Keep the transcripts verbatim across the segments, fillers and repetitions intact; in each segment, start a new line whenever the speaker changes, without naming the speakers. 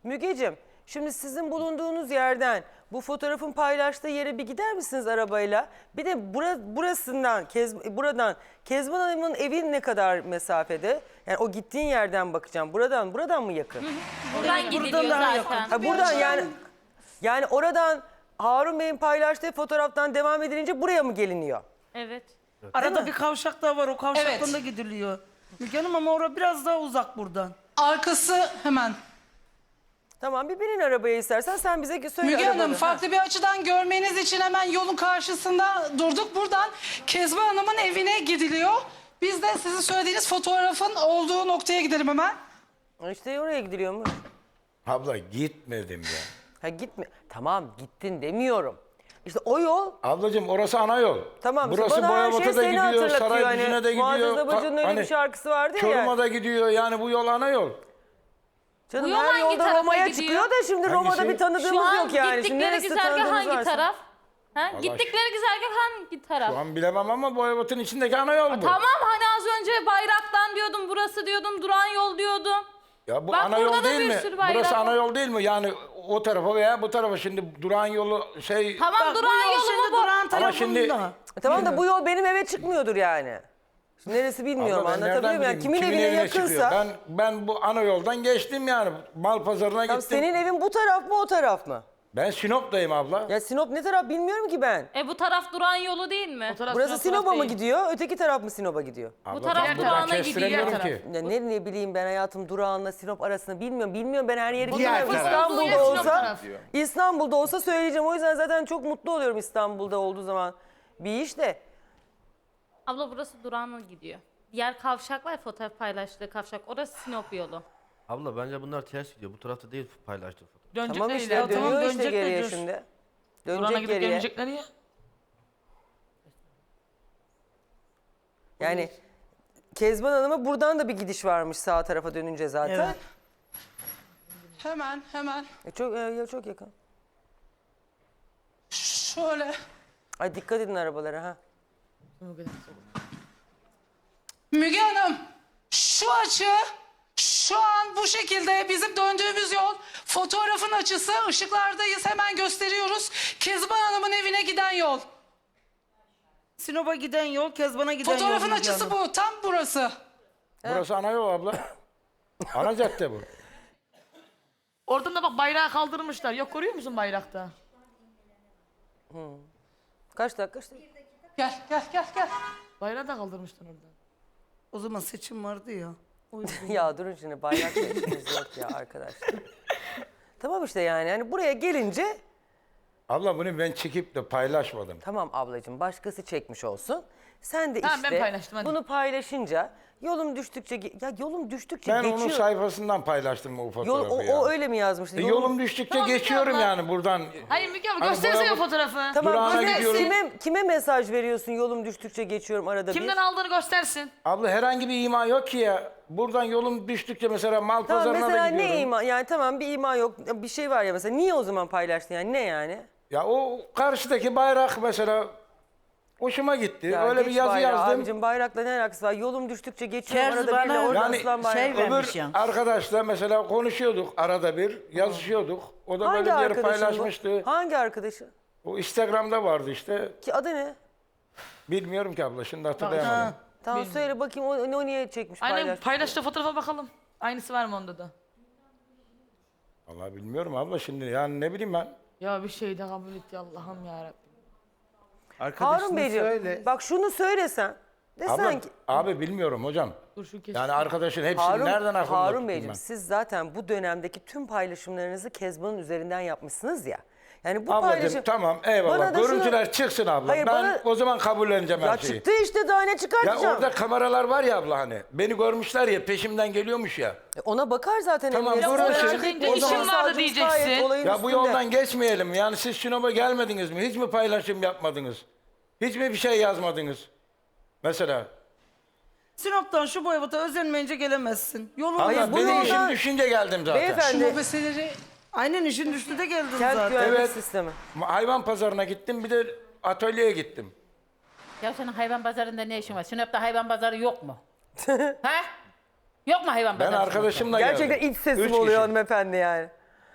Mügeciğim, şimdi sizin bulunduğunuz yerden bu fotoğrafın paylaştığı yere bir gider misiniz arabayla? Bir de bura, burasından, Kez, buradan Kezban Hanım'ın evi ne kadar mesafede? Yani o gittiğin yerden bakacağım. Buradan, buradan mı yakın?
Buradan gidiliyor
daha
zaten.
Ha, buradan yani, yani oradan Harun Bey'in paylaştığı fotoğraftan devam edilince buraya mı geliniyor?
Evet.
Arada bir kavşak daha var. O kavşaktan
Evet.
da gidiliyor. Müge Hanım ama orası biraz daha uzak buradan.
Arkası hemen.
Tamam, bir binin arabaya istersen, sen bize söyle.
Müge Hanım,
arabanı.
farklı bir açıdan görmeniz için hemen yolun karşısında durduk. Buradan Kezban Hanım'ın evine gidiliyor. Biz de sizin söylediğiniz fotoğrafın olduğu noktaya gidelim hemen.
Ha. İşte oraya gidiliyormuş.
Abla gitmedim ya.
Ha gitme. Tamam, gittin demiyorum. İşte o yol.
Ablacığım orası ana yol.
Tamam,
Burası
bana her
Boyabat'a
şey
da
seni
gidiyor,
hatırlatıyor.
Saraycı'na
Hani
da gidiyor.
Muazzez Abacı'nın
Ka-
öyle
hani
bir şarkısı vardı ya.
Çorum'a
yani.
da gidiyor, yani bu yol ana yol.
Canım
Bu yol
her
hangi
yolda
tarafa
Roma'ya
gidiyor?
çıkıyor da şimdi Roma'da
Hangisi?
bir tanıdığımız
Şu an
yok yani. Şimdi
gittikleri
neresi
güzergah
tanıdığımız
hangi
varsa.
taraf? Ha?
Allah
Gittikleri güzergah hangi taraf?
Şu an bilemem ama Boyabat'ın içindeki ana yol bu.
Tamam, hani az önce bayraktan diyordum, burası diyordum, duran yol diyordum.
Ya bu
Bak
ana
burada
yol
da
değil
bir
mi?
sürü bayrak
Burası
var.
ana yol değil mi? Yani o tarafa veya bu tarafa, şimdi duran yolu şey...
Tamam,
Bak, bu
duran
yol
yolu
şimdi
mu bu?
durağın tarafında.
şimdi-
E tamam da bu yol benim eve çıkmıyordur yani. Şimdi neresi bilmiyorum,
Abla ben nereden
anlatabiliyor muyum? Yani
bileyim?
kimin, evine
çıkıyor?
yakınsa.
Ben ben bu ana yoldan geçtim yani. Mal pazarına
Tamam,
gittim.
senin evin bu taraf mı o taraf mı?
Ben Sinop'tayım abla.
Ya Sinop ne taraf bilmiyorum ki ben.
E bu taraf duran yolu değil mi?
Burası Sinop'a mı gidiyor, öteki taraf mı Sinop'a gidiyor?
Abla,
taraf
ben buradan
durağına gidiyor,
kestiremiyorum
diğer
ki.
Ya ne, ne bileyim ben hayatım, durağınla Sinop arasını bilmiyorum. Bilmiyorum, ben her yeri
Diğer
bilmiyorum.
taraf.
İstanbul'da
Sinop
olsa,
taraf.
İstanbul'da olsa söyleyeceğim. O yüzden zaten çok mutlu oluyorum İstanbul'da olduğu zaman bir iş de.
Abla burası durağına gidiyor. Diğer kavşak var ya, fotoğraf paylaştığı kavşak. Orası Sinop yolu.
Abla bence bunlar ters gidiyor. Bu tarafta değil paylaştığı fotoğraf.
Dönecekler
Tamam işte,
ileride.
dönüyor
Tamam,
işte
dönecekler
geriye
diyor.
şimdi.
Durağına
Dönecek
gidip
geriye.
dönecekler ya.
Yani Kezban Hanım'a buradan da bir gidiş varmış sağ tarafa dönünce zaten.
Evet.
Hemen hemen
E çok, e, ya çok yakın.
şöyle.
Ay dikkat edin arabalara ha.
Müge Hanım, şu açı şu an bu şekilde bizim döndüğümüz yol. Fotoğrafın açısı, ışıklardayız, hemen gösteriyoruz. Kezban Hanım'ın evine giden yol.
Sinop'a giden yol, Kezban'a giden yol.
Fotoğrafın
Müge
açısı
Hanım.
bu, tam burası.
Burası ana yol abla. Ana cadde bu.
Oradan da bak bayrağı kaldırmışlar. Yok, görüyor musun bayrakta?
Kaç dakika işte.
Gel, gel, gel, gel.
Bayrağı da kaldırmışlar oradan.
O zaman seçim vardı ya.
Ya durun şimdi, bayrakla işimiz yok ya arkadaşlar. Tamam işte yani hani buraya gelince
Abla bunu ben çekip de paylaşmadım.
tamam ablacığım, başkası çekmiş olsun. Sen de
Tamam, ben
işte
paylaştım, hadi.
bunu paylaşınca yolum düştükçe ge- ya yolum düştükçe
Ben
geçiyor.
onun sayfasından paylaştım o
Yol,
fotoğrafı
o,
ya.
o öyle mi yazmıştı?
E,
Yolum-
yolum düştükçe
Tamam,
geçiyorum
Müge abla.
yani buradan.
Hayır Müge abla,
Hani
göstersene
Boyabat-
fotoğrafı.
Tamam,
Durağına
kime,
gidiyorum.
kime, kime mesaj veriyorsun yolum düştükçe geçiyorum arada
Kimden
bir?
aldığını göstersin.
Abla herhangi bir ima yok ki ya. Buradan yolum düştükçe mesela mal
Tamam
pazarına
mesela
da gidiyorum.
ne ima? Yani tamam bir ima yok, bir şey var ya mesela, niye o zaman paylaştın yani, ne yani?
Ya o karşıdaki bayrak mesela hoşuma gitti.
Ya
Öyle bir
geç
yazı
bayrağı
yazdım.
abicim, bayrakla ne alakası var? Yolum düştükçe geçiyorum
Kerzi
arada bir
bana
orada
Yani
aslan bayrağı.
şey
Öbür
vermiş ya.
arkadaşla mesela konuşuyorduk arada bir, yazışıyorduk. O da
Hangi
böyle bir yere
arkadaşın
paylaşmıştı.
bu? Hangi arkadaşı?
O Instagram'da vardı işte.
Ki adı ne?
Bilmiyorum ki abla, şimdi hatırlayamadım.
Ha.
Tamam söyle bakayım, o, o niye çekmiş
Aynen,
paylaşmış?
paylaştığı fotoğrafa bakalım. Aynısı var mı onda da?
Vallahi bilmiyorum abla şimdi, yani ne bileyim ben.
Ya bir şey de kabul et ya Allah'ım yarabbim.
Harun
Arkadaşına
Beyciğim
söyle.
bak şunu söylesen. Desen
Abla,
ki
abi bilmiyorum hocam.
Dur şu kesin.
Yani arkadaşın hepsini
Harun,
nereden aklımda
Harun
tuttum
Beyciğim
ben?
siz zaten bu dönemdeki tüm paylaşımlarınızı Kezban'ın üzerinden yapmışsınız ya. Yani bu
Ablacığım
paylaşım...
tamam
Bana
eyvallah.
da şunu-
Görüntüler çıksın abla.
Hayır,
ben
bana-
o zaman kabulleneceğim
Ya
her şeyi.
çıktı işte, daha ne
Ya
çıkartacağım?
orada kameralar var ya abla hani. Beni görmüşler ya, peşimden geliyormuş ya.
E ona bakar zaten.
Tamam,
emniyet.
görürsün.
Merak
Çıkınca
etmeyin.
işim
Savcımız
vardı
gayet
diyeceksin.
olayın
Ya bu
üstünde.
yoldan geçmeyelim. Yani siz Sinop'a gelmediniz mi? Hiç mi paylaşım yapmadınız? Hiç mi bir şey yazmadınız? Mesela.
Sinop'tan şu Boyabat'a özenmeyince gelemezsin. Yolun
Hayır,
Hayır,
bu
benim
yoldan-
işim düşünce geldim zaten.
Şu
Beyefendi,
mobeseleri
aynen işin düştü de geldin
kent
zaten.
güvenlik
Evet.
sistemi.
Hayvan pazarına gittim, bir de atölyeye gittim.
Ya senin hayvan pazarında ne işin var? Sinop'ta hayvan pazarı yok mu? He? Yok mu hayvan
Ben
pazarı?
arkadaşımla
Gerçekten
geldim.
iç sesim
Üç
oluyor
kişi.
hanımefendi yani.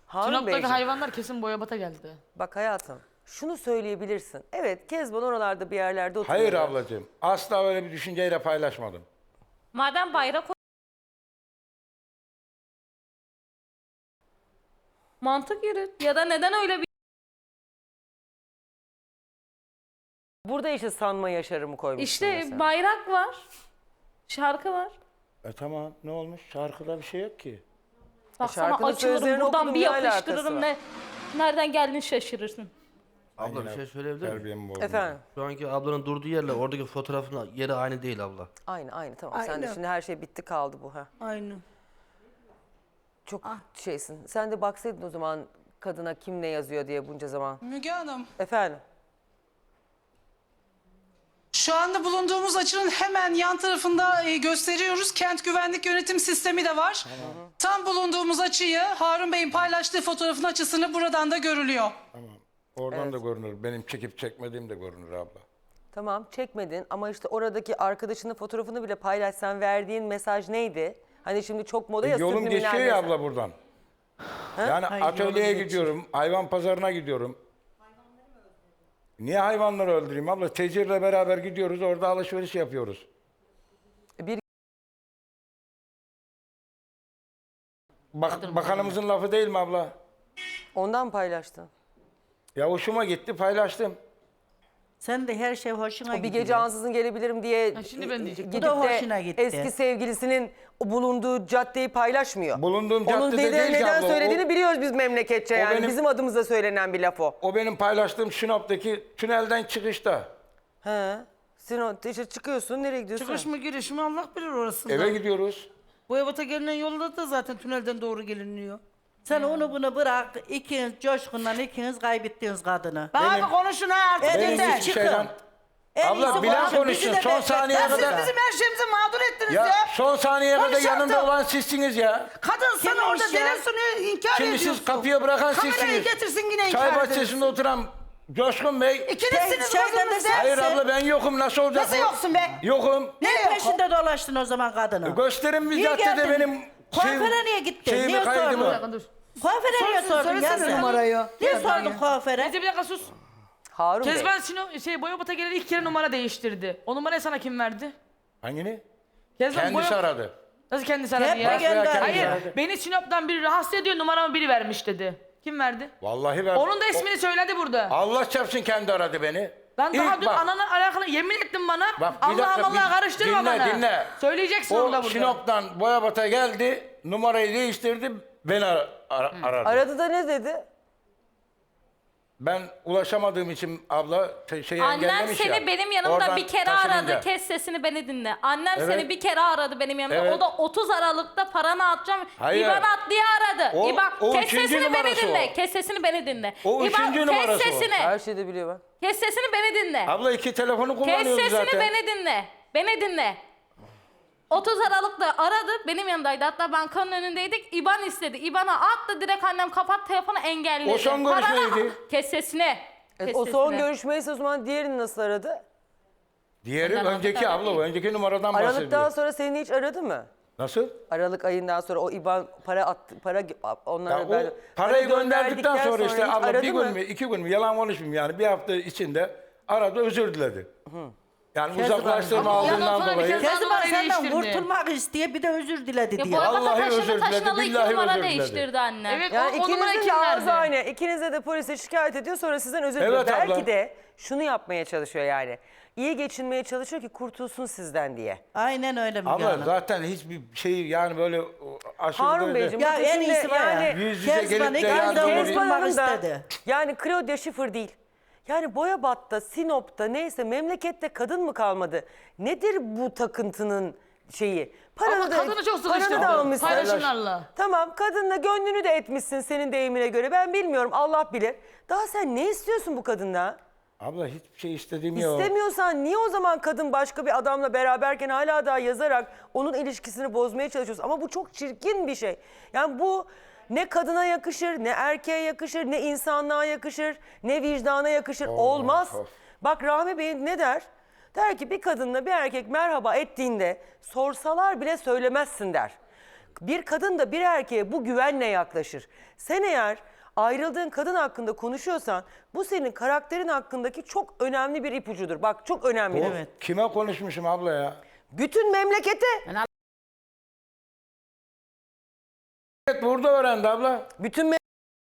Harun
Sinop'taki
Beyciğim,
hayvanlar kesin Boyabat'a geldi.
bak hayatım şunu söyleyebilirsin. Evet Kezban oralarda bir yerlerde oturuyor.
Hayır ablacığım. Asla öyle bir düşünceyle paylaşmadım.
Madem bayrak mantık yürüt. Ya da neden öyle bir
Burada işte sanma yaşarımı koymuşsun
işte
mesela.
bayrak var. Şarkı var.
E tamam ne olmuş? Şarkıda bir şey yok ki.
Bak sana
şarkının
açılırım
sözlerini
buradan
okudum,
bir
ne alakası
yapıştırırım
var?
ne nereden geldiğini şaşırırsın.
Abla bir şey söyleyebilir miyim?
Terbiyemi bozdum.
Efendim
Şu anki ablanın durduğu yerle oradaki fotoğrafın yeri aynı değil abla.
aynı aynı tamam. Sen de
Aynı.
şimdi her şey bitti kaldı bu ha.
Aynı.
Çok şeysin. Sen de baksaydın o zaman kadına kim ne yazıyor diye bunca zaman.
Müge Hanım,
Efendim.
şu anda bulunduğumuz açının hemen yan tarafında e, gösteriyoruz. Kent güvenlik yönetim sistemi de var. Tam bulunduğumuz açıyı Harun Bey'in paylaştığı fotoğrafın açısını buradan da görülüyor.
Oradan da görünür. Benim çekip çekmediğim de görünür abla.
Tamam çekmedin ama işte oradaki arkadaşının fotoğrafını bile paylaşsan verdiğin mesaj neydi? Hani şimdi çok moda
E,
ya
yolum
subliminal
geçiyor ya
mesaj.
abla buradan. Yani atölyeye gidiyorum, hayvan pazarına gidiyorum. Niye hayvanları öldüreyim abla? Tecirle beraber gidiyoruz, orada alışveriş yapıyoruz.
Bir
Bak, bakanımızın lafı değil mi abla?
ondan mı paylaştın?
Ya hoşuma gitti, paylaştım.
Sen de her şey hoşuna
Bir
gidiyor.
gece ansızın gelebilirim diye
Ha, şimdi ben diyecektim.
gidip
Bu da
de
hoşuna gitti.
eski sevgilisinin bulunduğu caddeyi paylaşmıyor.
Bulunduğum
Onun
caddede
neden,
değil ki
neden
abla, o-
söylediğini biliyoruz biz memleketçe
o
yani.
benim-
Bizim adımıza söylenen bir laf o.
O benim paylaştığım Sinop'taki tünelden çıkışta.
He. Sen o işte çıkıyorsun nereye gidiyorsun?
Çıkış mı giriş mi Allah bilir orasında.
Eve gidiyoruz.
Boyabat'a gelinen yolda da zaten tünelden doğru geliniyor. Sen onu bunu bırak, ikiniz coşkunla ikiniz kaybettiniz kadını. Bana
Benim-
bir konuşun ha artık.
Benim
yeter,
hiçbir
çıkın.
şeyden...
En
Abla
iyisi
bilen
konuşun, bizi
konuşsun.
de
Son
beklet.
saniyeye
Ya siz
kadar-
bizim her şeyimizi mağdur ettiniz ya.
Ya son saniyeye kadar
Konuşacaktım.
yanımda olan sizsiniz ya.
Kadın sana
Kimmiş
orada
ya?
delen sunuyor, inkar
Şimdi
ediyorsun.
siz kapıya bırakan
Kamerayı
sizsiniz.
getirsin yine inkar
Çay
edersin.
bahçesinde oturan Coşkun Bey.
İkinizsiniz
Şeyden de
kızınız
sen-
ya.
Hayır abla ben yokum. Nasıl olacak
Nasıl
bu?
yoksun be?
Yokum.
Ne peşinde dolaştın o zaman kadını?
Gösterin bir
Niye
caddede
geldin?
benim
Kuaföre niye gittin?
şeyimi,
Niye
kaydımı.
sordun?
Bir dakika dur.
Kuaföre niye sordun ya
söylesene
sen?
numarayı.
Niye sordun kuaföre?
Neyse bir dakika sus.
Harun Bey.
Kezban Sino, şey Boyabat'a geleli ilk kere numara değiştirdi. O numarayı sana kim verdi?
Hangini?
Kezban
Kendisi
Boya-
aradı.
Nasıl kendisi aradı
Hep
ya?
de gönder.
Kendisi
Hayır,
aradı.
beni Sinop'tan biri rahatsız ediyor, numaramı biri vermiş dedi. Kim verdi?
Vallahi ben...
Onun da ismini söyledi burada.
Allah çarpsın kendi aradı beni.
Ben daha
İlk
dün
bak,
ananın alakalı yemin ettim bana.
Bak, bir
Allah
dakika,
Allah
bir-
karıştırma
dinle,
bana.
dinle.
Söyleyeceksin onu da
O
burada.
Sinop'tan Boyabat'a geldi, numarayı değiştirdi, beni ar- ar- aradı.
Aradı da ne dedi?
Ben ulaşamadığım için abla te- şeyi
Annem
engellemiş
seni
ya.
benim yanımda
Oradan
bir kere
taşınınca.
aradı. Kes sesini beni dinle. Annem
Evet.
seni bir kere aradı benim yanımda.
Evet.
O da otuz Aralık'ta paranı atacağım.
Hayır.
İban at diye aradı.
O-
İban,
o
kes
üçüncü
sesini beni
numarası
dinle.
o.
Kes sesini beni dinle.
O
İban,
üçüncü
kes
numarası o.
sesini.
Her şeyi de biliyor bak.
Kes sesini beni dinle.
Abla iki telefonu
Kes
kullanıyoruz
sesini
zaten.
beni dinle. Beni dinle. otuz Aralık'ta aradı. Benim yanımdaydı. Hatta bankanın önündeydik. İban istedi. İban'a attı. Direkt annem kapat telefonu engelledi.
O son
Paranı-
görüşmeydi.
Kes sesini.
E,
Kes
o son
sesini.
görüşmeyse o zaman diğerini nasıl aradı?
Diğeri
Ondan
önceki
sonra
abla,
değil.
o önceki numaradan
Aralıktan
bahsediyor.
sonra seni hiç aradı mı?
Nasıl?
Aralık ayından sonra o İban para attı, para onlara
Ya o
ben-
parayı
para
gönderdikten sonra işte
hiç
abla
aradı
bir
mı?
gün mü iki gün mü yalan konuşmayayım yani bir hafta içinde aradı özür diledi. Yani uzaklaştırma
Ama ondan
aldığından
sonra bir
dolayı.
kez-
Kezban
numarayı
senden
değiştirdi.
kurtulmak isteye bir de özür diledi
Ya
diyor.
Boyabat'a
Vallahi özür
taşını
diledi,
taşınalı iki
billahi
numara
özür diledi.
değiştirdi anne.
Evet,
Yani
o, o numarayı
ikinizin
kim
de ağzı
verdi?
aynı. İkinize de polise şikayet ediyor sonra sizden özür diliyor.
Evet abla.
Belki de şunu yapmaya çalışıyor yani. İyi geçinmeye çalışıyor ki kurtulsun sizden diye.
Aynen öyle Müge
Abla
Hanım.
zaten hiçbir şey yani böyle o, aşırı
Harun
böyle.
Beyciğim
Ya
bu
en
şimdi
iyisi var ya.
yani
Yüz yüze
Kezban
gelip de
ikiniz
yani
de
böyle-
Kezban
kurtulmak
Hanım da
istedi.
yani Claudia Schiffer değil. Yani Boyabat'ta, Sinop'ta neyse memlekette kadın mı kalmadı? Nedir bu takıntının şeyi? Paranı
Ama
da,
kadını çok
paranı
sıkıştırdı.
da almışsın.
Paylaşımlarla.
Tamam kadınla gönlünü de etmişsin senin deyimine göre. Ben bilmiyorum Allah bilir. Daha sen ne istiyorsun bu kadından?
Abla hiçbir şey istediğim yok.
İstemiyorsan niye o zaman kadın başka bir adamla beraberken hala daha yazarak onun ilişkisini bozmaya çalışıyorsun? Ama bu çok çirkin bir şey. Yani bu ne kadına yakışır, ne erkeğe yakışır, ne insanlığa yakışır, ne vicdana yakışır. Olmaz.
of.
Bak Rahmi Bey ne der? Der ki bir kadınla bir erkek merhaba ettiğinde sorsalar bile söylemezsin der. Bir kadın da bir erkeğe bu güvenle yaklaşır. Sen eğer ayrıldığın kadın hakkında konuşuyorsan bu senin karakterin hakkındaki çok önemli bir ipucudur. Bak çok önemli.
Evet.
Kime konuşmuşum abla ya?
Bütün memlekete,
Evet, burada öğrendi abla.
bütün me-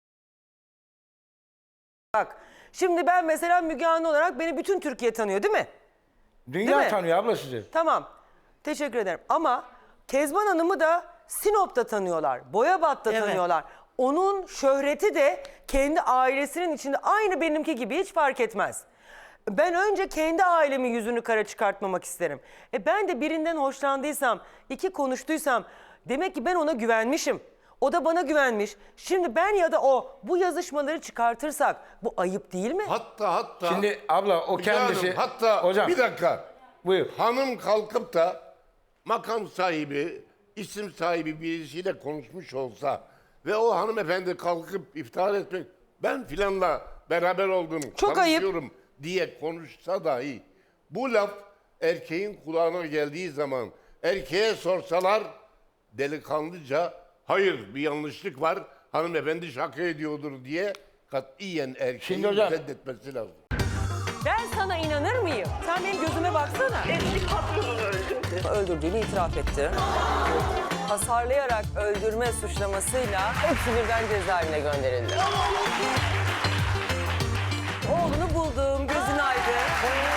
Bak şimdi ben mesela Müge Anlı olarak beni bütün Türkiye tanıyor değil mi?
Dünya
Değil mi?
tanıyor abla sizi.
Tamam. Teşekkür ederim. Ama Kezban Hanım'ı da Sinop'ta tanıyorlar. Boyabat'ta
Evet.
tanıyorlar. Onun şöhreti de kendi ailesinin içinde aynı benimki gibi hiç fark etmez. Ben önce kendi ailemin yüzünü kara çıkartmamak isterim. E ben de birinden hoşlandıysam, iki konuştuysam demek ki ben ona güvenmişim. O da bana güvenmiş. Şimdi ben ya da o bu yazışmaları çıkartırsak bu ayıp değil mi?
Hatta hatta
Şimdi abla o
Müge
kendisi...
Hanım, hatta
Hocam
bir dakika.
buyur.
Hanım kalkıp da makam sahibi, isim sahibi birisiyle konuşmuş olsa ve o hanımefendi kalkıp iftihar etmek, ben filanla beraber oldum,
Çok ayıp.
tanışıyorum diye konuşsa dahi bu laf erkeğin kulağına geldiği zaman erkeğe sorsalar delikanlıca hayır bir yanlışlık var, hanımefendi şaka ediyordur diye katiyen erkeğin
Şimdi hocam-
reddetmesi lazım.
Ben sana inanır mıyım? Sen benim gözüme baksana.
Eski patronunu öldürdü.
Öldürdüğünü itiraf etti. Hasarlayarak öldürme suçlamasıyla hepsi birden cezaevine gönderildi. Oğlunu buldum, gözün aydın.